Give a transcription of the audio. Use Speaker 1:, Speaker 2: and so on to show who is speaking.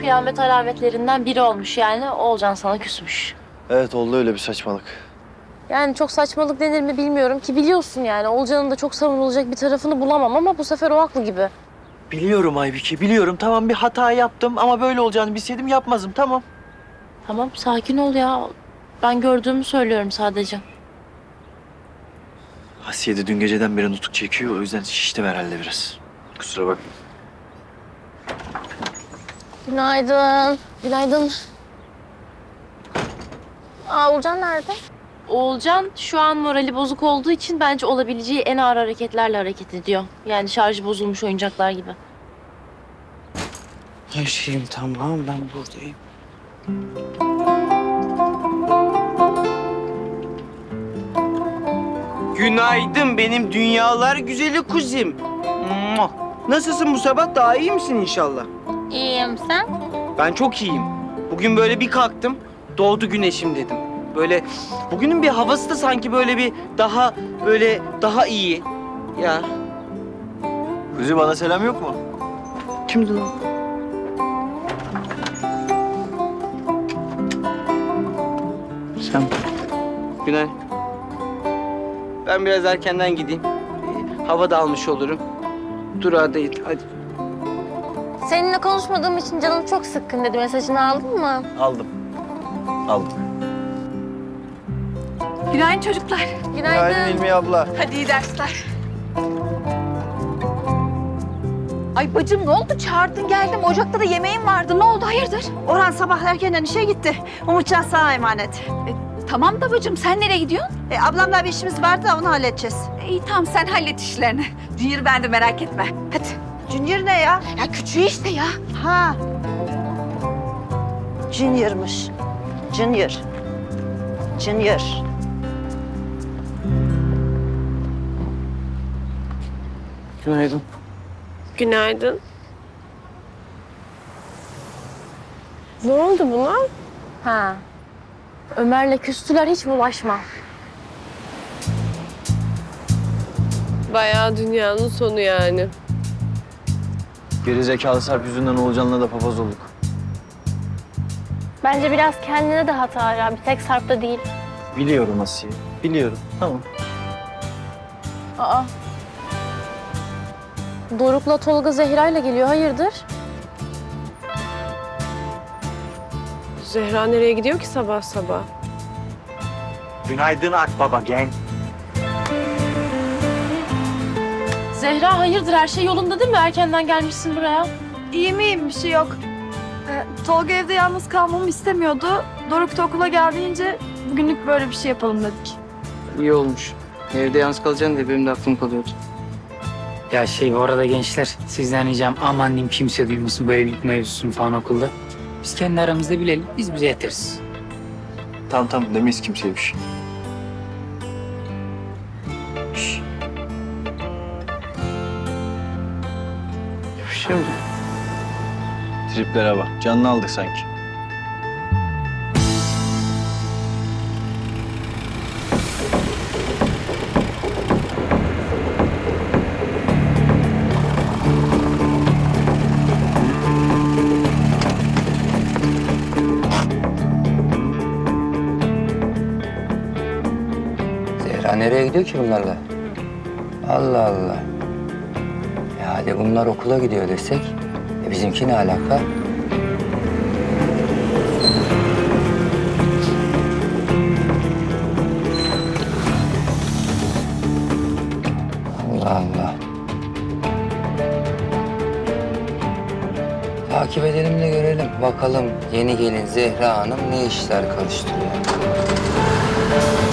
Speaker 1: kıyamet alametlerinden biri olmuş yani. Oğulcan sana küsmüş.
Speaker 2: Evet oldu öyle bir saçmalık.
Speaker 1: Yani çok saçmalık denir mi bilmiyorum ki biliyorsun yani. Oğulcan'ın da çok savunulacak bir tarafını bulamam ama bu sefer o haklı gibi.
Speaker 2: Biliyorum Aybike, biliyorum. Tamam bir hata yaptım ama böyle olacağını bilseydim yapmazdım, tamam.
Speaker 1: Tamam sakin ol ya. Ben gördüğümü söylüyorum sadece.
Speaker 2: Asiye de dün geceden beri nutuk çekiyor. O yüzden şişti herhalde biraz. Kusura bakma.
Speaker 1: Günaydın. Günaydın. Oğulcan nerede? Oğulcan şu an morali bozuk olduğu için bence olabileceği en ağır hareketlerle hareket ediyor. Yani şarjı bozulmuş oyuncaklar gibi.
Speaker 3: Her şeyim tamam, ben buradayım. Günaydın benim dünyalar güzeli kuzim. Mua! Nasılsın bu sabah? Daha iyi misin inşallah?
Speaker 1: İyiyim sen?
Speaker 3: Ben çok iyiyim. Bugün böyle bir kalktım, doğdu güneşim dedim. Böyle bugünün bir havası da sanki böyle daha iyi. Ya
Speaker 2: Kuzi bana selam yok mu?
Speaker 3: kimdi lan? Sen. Günay. Ben biraz erkenden gideyim. Hava da almış olurum. Durağa değil, hadi.
Speaker 1: Seninle konuşmadığım için canım çok sıkkın dedi. Mesajını aldın mı?
Speaker 2: Aldım. Aldım.
Speaker 4: Günaydın çocuklar.
Speaker 1: Günaydın.
Speaker 2: İlmi abla.
Speaker 4: Hadi iyi dersler. Ay bacım ne oldu? Çağırdın geldim. Ocakta da yemeğim vardı. Ne oldu? Hayırdır?
Speaker 5: Orhan sabah erkenden işe gitti. Umutcan sana emanet.
Speaker 4: Tamam da bacım sen nereye gidiyorsun?
Speaker 5: Ablamla bir işimiz vardı da onu halledeceğiz.
Speaker 4: İyi tamam sen hallet işlerini. Junior ben de merak etme. Hadi.
Speaker 5: Junior ne ya?
Speaker 4: Ya küçüğü işte ya.
Speaker 5: Ha. Junior'mış. Junior. Junior.
Speaker 3: Günaydın.
Speaker 6: Günaydın. Ne oldu buna?
Speaker 1: Ha. Ömer'le küstüler hiç bulaşma.
Speaker 6: Bayağı dünyanın sonu yani.
Speaker 2: Geri zekalı Sarp yüzünden Oğulcan'la da papaz olduk.
Speaker 1: Bence biraz kendine de hata ya. Bir tek Sarp'ta değil.
Speaker 2: Biliyorum Asiye. Biliyorum. Tamam.
Speaker 1: Aa. Doruk'la Tolga Zehra'yla geliyor. Hayırdır?
Speaker 6: Zehra nereye gidiyor ki sabah sabah?
Speaker 3: Günaydın Akbaba gen.
Speaker 1: Zehra hayırdır? Her şey yolunda değil mi? Erkenden gelmişsin buraya.
Speaker 7: İyiyim bir şey yok. Tolga evde yalnız kalmamı istemiyordu. Doruk da okula geldiğince bugünlük böyle bir şey yapalım dedik.
Speaker 3: İyi olmuş. Evde yalnız kalacaksın diye benim de aklım kalıyordu.
Speaker 8: Ya bu arada gençler sizden ricam aman diyeyim kimse duymasın bu evlilik mevzusunu falan okulda. Biz kendi aramızda bilelim, biz bize yeteriz.
Speaker 2: Tamam demeyiz kimseye bir şey.
Speaker 3: Şimdi.
Speaker 2: Triplere bak. Canını aldık sanki.
Speaker 9: Zehra nereye gidiyor ki bunlarla? Allah Allah. Ya hadi bunlar okula gidiyor desek, bizimki ne alaka? Allah Allah. Takip edelim de görelim. Bakalım yeni gelin Zehra Hanım ne işler karıştırıyor.